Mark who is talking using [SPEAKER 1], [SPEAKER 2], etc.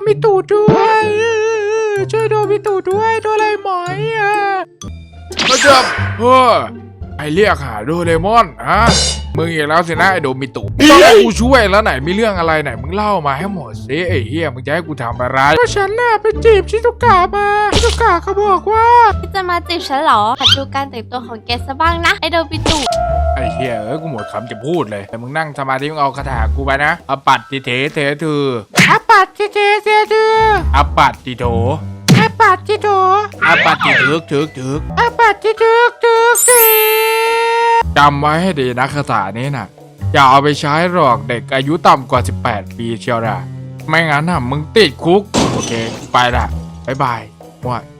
[SPEAKER 1] มิตุด้วยช่วยโดมิตุด้วยโดเรมอนก็จะไอเรียกหาโดเรมอนมึงอีกแล้วสินะไอโดมิตุต้องให้กูช่วยแล้วไหนมีเรื่องอะไรไหนมึงเล่ามาให้หมดสิไอเฮียมึงจะให้กูทำอะไรก็ฉันน่ะไปจีบชิซุกะมาชิซุกะเขาบอกว่า
[SPEAKER 2] พี่จะมาจีบฉันเหรอหัดดูการแต่งตัวของแกซะบ้างนะไอโดบิตุ
[SPEAKER 1] ไอ้เฮียกูหมดคำจะพูดเลยแต่มึงนั่งสมาธิมึงเอาคาถากูไปนะอปัตติเถเถตืออปัตติเถเถตืออปัตติโถอปัตติโถอปัตติถึกอปัตติถึกจำไว้ให้ดีนะคาถานี้น่ะอย่าเอาไปใช้หรอกเด็กอายุต่ำกว่า18 ปีเชียวนะไม่งั้นน่ะมึงติดคุกโอเคไปละบ๊ายบาย